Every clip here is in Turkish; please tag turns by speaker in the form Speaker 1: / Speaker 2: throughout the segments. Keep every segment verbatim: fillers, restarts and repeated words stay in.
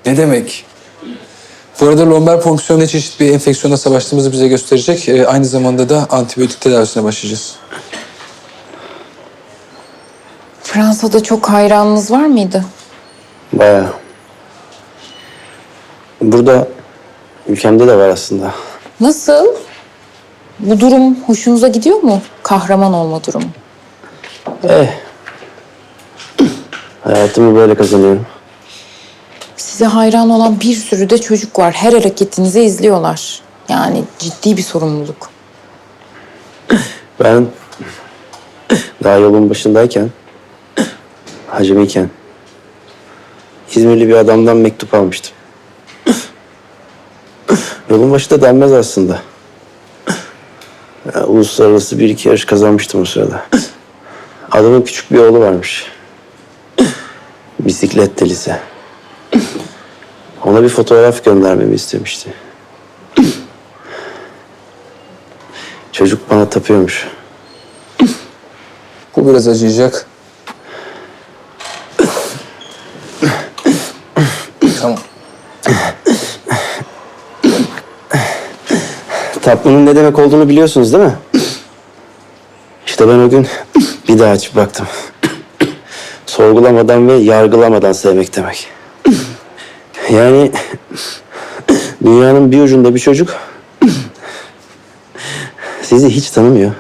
Speaker 1: Ne demek? Bu arada lomber fonksiyonu çeşitli bir enfeksiyonla savaştığımızı bize gösterecek. Ee, aynı zamanda da antibiyotik tedavisine başlayacağız.
Speaker 2: Fransa'da çok hayranınız var mıydı?
Speaker 3: Bayağı. Burada ülkemde de var aslında.
Speaker 2: Nasıl? Bu durum hoşunuza gidiyor mu? Kahraman olma durumu.
Speaker 3: Eh. Hayatımı böyle kazanıyorum.
Speaker 2: Size hayran olan bir sürü de çocuk var. Her hareketinizi izliyorlar. Yani ciddi bir sorumluluk.
Speaker 3: Ben daha yolun başındayken, hacimiyken İzmirli bir adamdan mektup almıştım. Yolun başı da denmez aslında. Ya, uluslararası bir iki yarış kazanmıştım o sırada. Adamın küçük bir oğlu varmış. Bisiklet delisi. Ona bir fotoğraf göndermemi istemişti. Çocuk bana tapıyormuş.
Speaker 1: Bu biraz acıyacak. Tamam.
Speaker 3: Tapmanın ne demek olduğunu biliyorsunuz değil mi? İşte ben o gün bir daha açıp baktım. Sorgulamadan ve yargılamadan sevmek demek. Yani dünyanın bir ucunda bir çocuk sizi hiç tanımıyor.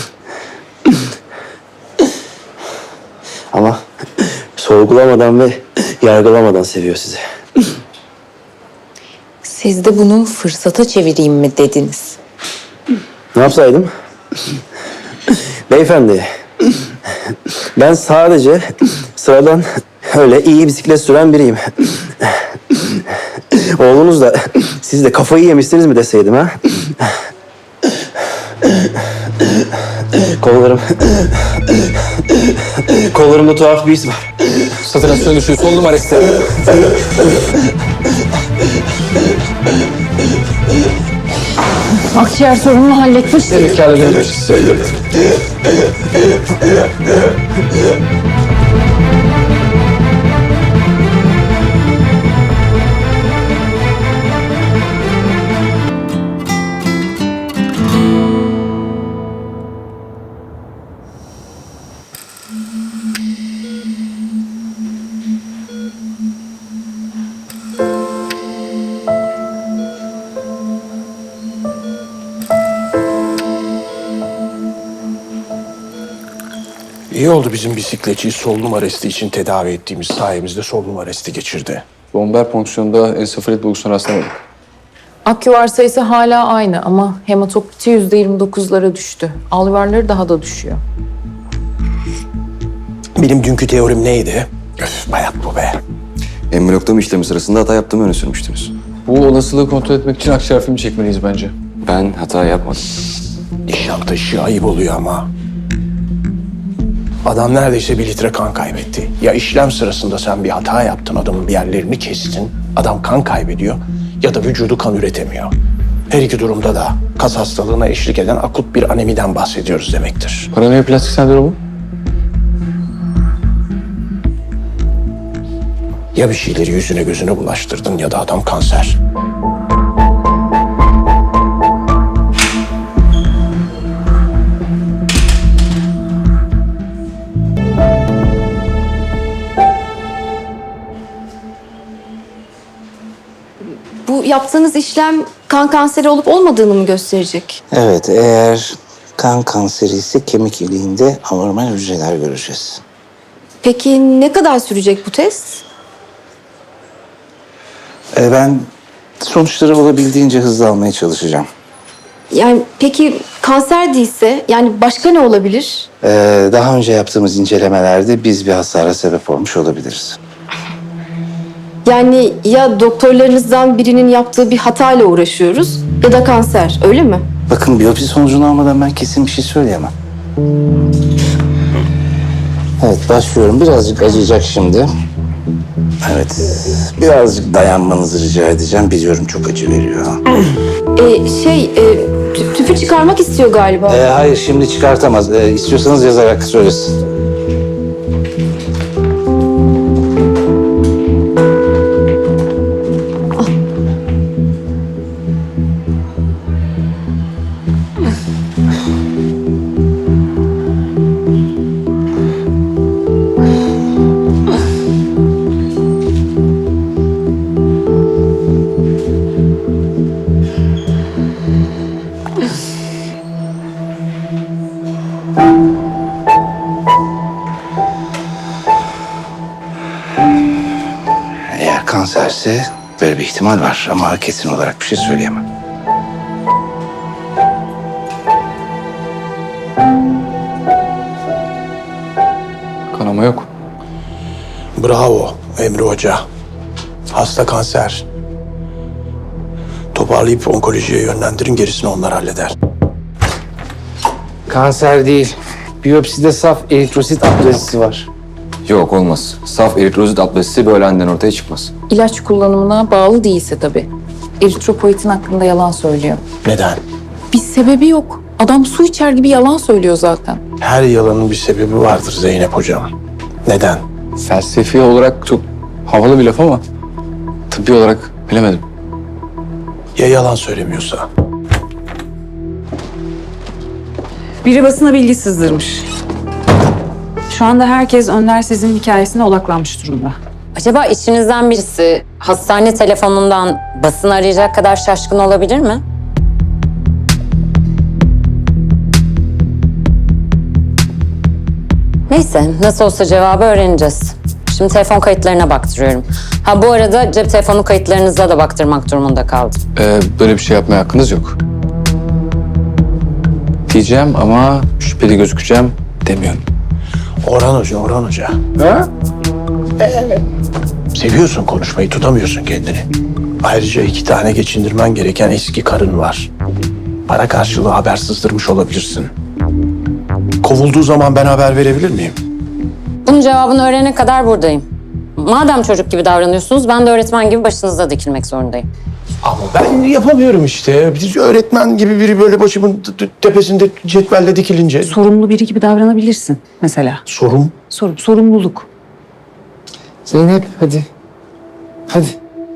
Speaker 3: Ama sorgulamadan ve yargılamadan seviyor sizi.
Speaker 2: Siz de bunu fırsata çevireyim mi dediniz?
Speaker 3: Ne yapsaydım? Beyefendi, ben sadece sıradan öyle iyi bisiklet süren biriyim. Oğlunuz da siz de kafayı yemişsiniz mi deseydim ha? Kollarım... Kollarımda tuhaf bir his var.
Speaker 1: Satürasyon düşüyor. Sol numara iste.
Speaker 2: Akciğer sorununu halletmişsiniz.
Speaker 1: Evet, kâr edebiliriz.
Speaker 4: İyi oldu bizim bisikletçiyi solunum arresti için tedavi ettiğimiz sayemizde solunum arresti geçirdi.
Speaker 1: Lomber fonksiyonunda ensefalit bulgusuna rastlamadık.
Speaker 2: Aküvar sayısı hala aynı ama hematokriti yüzde yirmi dokuzlara düştü. Alüvarları daha da düşüyor.
Speaker 4: Benim dünkü teorim neydi? Öf, bayat bu be.
Speaker 5: Embriyotomi işlemi sırasında hata yaptığımı öne sürmüştünüz.
Speaker 1: Bu olasılığı kontrol etmek için akciğer filmi çekmeliyiz bence.
Speaker 5: Ben hata yapmadım.
Speaker 4: Nişantaşı ayıp oluyor ama. Adam neredeyse bir litre kan kaybetti. Ya işlem sırasında sen bir hata yaptın, adamın bir yerlerini kestin. Adam kan kaybediyor ya da vücudu kan üretemiyor. Her iki durumda da kas hastalığına eşlik eden akut bir anemiden bahsediyoruz demektir.
Speaker 1: Paraneoplastik sendromu?
Speaker 4: Ya bir şeyleri yüzüne gözüne bulaştırdın ya da adam kanser.
Speaker 6: Bu yaptığınız işlem kan kanseri olup olmadığını mı gösterecek?
Speaker 7: Evet, eğer kan kanseri ise kemik iliğinde anormal hücreler göreceğiz.
Speaker 6: Peki ne kadar sürecek bu test?
Speaker 7: Ee, ben sonuçları olabildiğince hızlı almaya çalışacağım.
Speaker 6: Yani peki kanser değilse yani başka ne olabilir?
Speaker 7: Ee, daha önce yaptığımız incelemelerde biz bir hasara sebep olmuş olabiliriz.
Speaker 6: Yani ya doktorlarınızdan birinin yaptığı bir hatayla uğraşıyoruz ya da kanser, öyle mi?
Speaker 7: Bakın biyopsi sonucunu almadan ben kesin bir şey söyleyemem. Evet, başlıyorum. Birazcık acıyacak şimdi. Evet, birazcık dayanmanızı rica edeceğim. Biliyorum çok acı veriyor.
Speaker 6: Ee, şey, e, tü- tüpü çıkarmak istiyor galiba.
Speaker 7: Ee, hayır, şimdi çıkartamaz. Ee, istiyorsanız yazarak söylesin. kanserse böyle bir ihtimal var ama kesin olarak bir şey söyleyemem.
Speaker 1: Kanama yok.
Speaker 4: Bravo Emre Hoca. Hasta kanser. Toparlayıp onkolojiye yönlendirin, gerisini onlar halleder.
Speaker 7: Kanser değil. Biyopside saf eritrosit aplazisi var.
Speaker 5: Yok olmaz. Saf eritrozit aplazisi böyle aniden ortaya çıkmaz.
Speaker 2: İlaç kullanımına bağlı değilse tabii. Eritropoietin hakkında yalan söylüyor.
Speaker 4: Neden?
Speaker 2: Bir sebebi yok. Adam su içer gibi yalan söylüyor zaten.
Speaker 4: Her yalanın bir sebebi vardır Zeynep Hocam. Neden?
Speaker 1: Felsefi olarak çok havalı bir laf ama tıbbi olarak bilemedim.
Speaker 4: Ya yalan söylemiyorsa?
Speaker 8: Biri basına bilgi sızdırmış. Şu anda herkes Önder Sezin hikayesine odaklanmış durumda.
Speaker 9: Acaba içinizden birisi hastane telefonundan basın arayacak kadar şaşkın olabilir mi? Neyse, nasıl olsa cevabı öğreneceğiz. Şimdi telefon kayıtlarına baktırıyorum. Ha bu arada cep telefonu kayıtlarınıza da baktırmak durumunda kaldım.
Speaker 1: Ee, böyle bir şey yapmaya hakkınız yok. Diyeceğim ama şüpheli gözükeceğim demiyorum.
Speaker 4: Orhan Hoca, Orhan Hoca. Ha? Evet. Seviyorsun konuşmayı, tutamıyorsun kendini. Ayrıca iki tane geçindirmen gereken eski karın var. Para karşılığı haber sızdırmış olabilirsin. Kovulduğu zaman ben haber verebilir miyim?
Speaker 9: Bunun cevabını öğrenene kadar buradayım. Madem çocuk gibi davranıyorsunuz, ben de öğretmen gibi başınızda dikilmek zorundayım.
Speaker 4: Ama ben yapamıyorum işte. Bir öğretmen gibi biri böyle başımın t- t- tepesinde cetvelle dikilince.
Speaker 8: Sorumlu biri gibi davranabilirsin mesela.
Speaker 4: Sorum.
Speaker 8: Sorum, sorumluluk.
Speaker 7: Zeynep hadi. Hadi.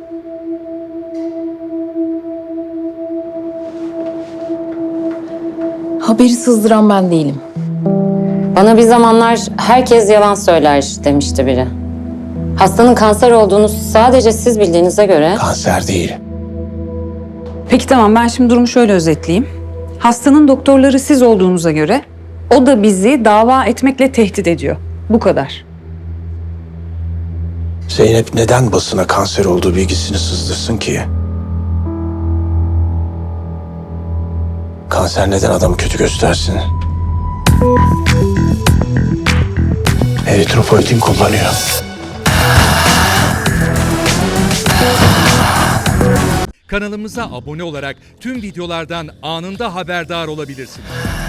Speaker 2: Haberi sızdıran ben değilim.
Speaker 9: Bana bir zamanlar herkes yalan söyler demişti biri. Hastanın kanser olduğunu sadece siz bildiğinize göre...
Speaker 4: Kanser değil.
Speaker 8: Peki tamam, ben şimdi durumu şöyle özetleyeyim. Hastanın doktorları siz olduğunuza göre o da bizi dava etmekle tehdit ediyor. Bu kadar.
Speaker 4: Zeynep neden basına kanser olduğu bilgisini sızdırsın ki? Kanser neden adamı kötü göstersin? Eritropoietin kullanıyor.
Speaker 10: Kanalımıza abone olarak tüm videolardan anında haberdar olabilirsiniz.